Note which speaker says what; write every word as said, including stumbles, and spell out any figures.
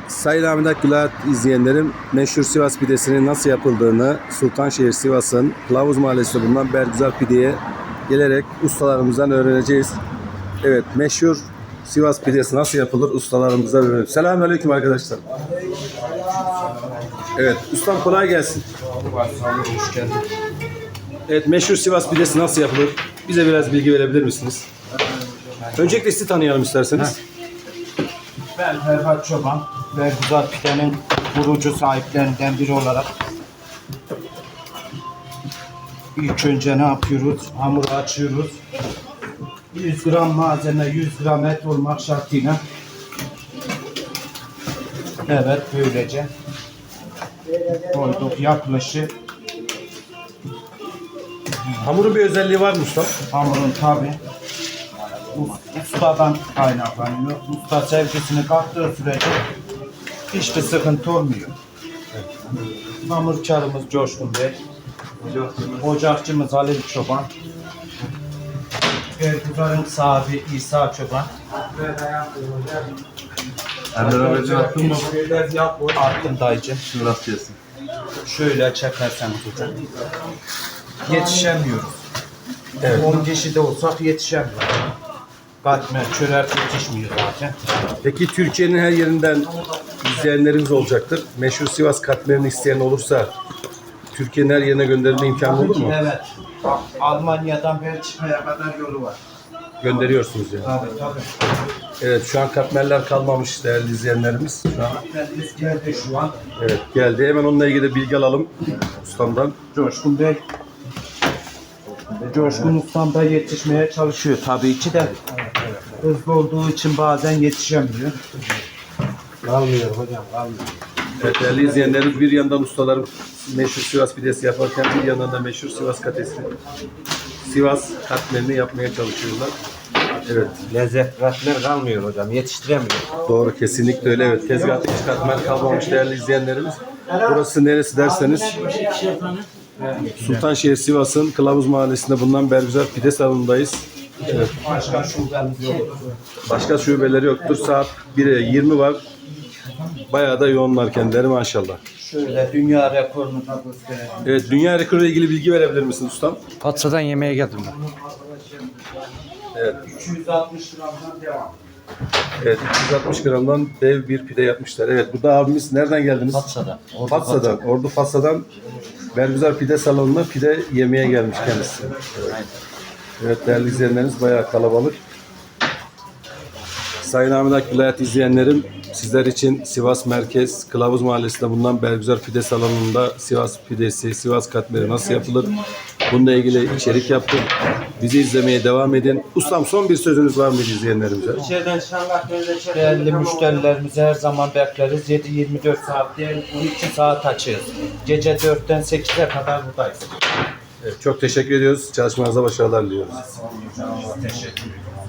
Speaker 1: Sayın Ahmet Akgülat izleyenlerim, meşhur Sivas pidesinin nasıl yapıldığını Sultanşehir Sivas'ın Kılavuz Mahallesi'nde bulunan Bergüzar Pide'ye gelerek ustalarımızdan öğreneceğiz. Evet, meşhur Sivas pidesi nasıl yapılır ustalarımızdan öğrenelim. Selamünaleyküm arkadaşlar. Evet, ustam kolay gelsin.
Speaker 2: Hoş geldin.
Speaker 1: Evet, meşhur Sivas pidesi nasıl yapılır? Bize biraz bilgi verebilir misiniz? Öncelikle sizi tanıyalım isterseniz.
Speaker 2: Ben Ferhat Çoban, Bergüzar Pide'nin kurucu sahiplerinden biri olarak ilk önce ne yapıyoruz? Hamuru açıyoruz. yüz gram malzeme, yüz gram et olmak şartıyla. Evet, böylece koyduk yaklaşık.
Speaker 1: Hamurun bir özelliği var mı usta?
Speaker 2: Hamurun tabi ustadan kaynaklanıyor. Usta sevgisini kattığı sürece hiçbir sıkıntı olmuyor. Hamurkarımız Coşkun Bey, ocakçımız Halil Çoban, Bergüzar'ın sahibi İsa Çoban.
Speaker 1: Ender abi attın mı?
Speaker 2: Attım dayıcı.
Speaker 1: Şurası diyorsun.
Speaker 2: Şöyle çekersen hocam. Yetişemiyoruz. Evet. on kişi de olsak yetişemiyoruz. Katmer, çörek yetişmiyor zaten.
Speaker 1: Peki Türkiye'nin her yerinden izleyenlerimiz olacaktır. Meşhur Sivas katmerini isteyen olursa Türkiye'nin her yerine gönderilme imkanı olur mu?
Speaker 2: Evet. Almanya'dan Belçika'ya kadar yolu var.
Speaker 1: Gönderiyorsunuz yani.
Speaker 2: Tabii tabii.
Speaker 1: Evet, şu an katmerler kalmamış değerli izleyenlerimiz. Şu an
Speaker 2: Katmerimiz geldi şu an.
Speaker 1: evet geldi. Hemen onunla ilgili de bilgi alalım ustamdan.
Speaker 2: Coşkun Bey. Coşkun ustam da yetişmeye çalışıyor tabii ki de. Hızlı olduğu için bazen yetişemiyor.
Speaker 3: Kalmıyor hocam, kalmıyor.
Speaker 1: Evet, değerli izleyenlerimiz, bir yandan ustalarım meşhur Sivas pidesi yaparken bir yandan da meşhur Sivas katesi, Sivas katmerini yapmaya çalışıyorlar. Evet,
Speaker 3: Lezzet, katmer kalmıyor hocam, yetiştiremiyor.
Speaker 1: doğru, kesinlikle öyle. Evet, tezgahta hiç katmer kalmamış değerli izleyenlerimiz. Burası neresi derseniz Sultanşehir Sivas'ın Kılavuz Mahallesi'nde bulunan Bergüzar Pide Salonu'ndayız. Evet.
Speaker 2: Başka şubemiz yok.
Speaker 1: Başka şubeleri yoktur. Saat bire yirmi var. Bayağı da yoğunlar kendileri maşallah.
Speaker 2: Şöyle dünya rekorunu da gösterelim.
Speaker 1: Evet, dünya rekoru ile ilgili bilgi verebilir misin ustam?
Speaker 3: Patsa'dan yemeğe geldim ben.
Speaker 1: Evet.
Speaker 2: iki yüz altmış gramdan devam.
Speaker 1: Evet, iki yüz altmış gramdan dev bir pide yapmışlar. Evet, burada abimiz nereden geldiniz?
Speaker 3: Patsa'dan. Ordu
Speaker 1: Fatsa'dan, Ordu Fatsa'dan Bergüzar Pide Salonu'na pide yemeye gelmiş kendisi. Evet, evet değerli izleyenlerimiz bayağı kalabalık. Sayın Ahmet Akgülat izleyenlerim, sizler için Sivas Merkez Kılavuz Mahallesi'nde bulunan Bergüzar Pide Salonu'nda Sivas pidesi, Sivas katmeri nasıl yapılır? Bununla ilgili içerik yaptık. Bizi izlemeye devam edin. Ustam, son bir sözünüz var mı izleyenlerimize?
Speaker 2: Değerli müşterilerimizi her zaman bekleriz. yedi yirmi dört saat değil, on iki saat açığız. Gece dörtten sekize kadar buradayız.
Speaker 1: Evet, çok teşekkür ediyoruz. Çalışmanıza başarılar diliyoruz.
Speaker 2: Teşekkür ederim.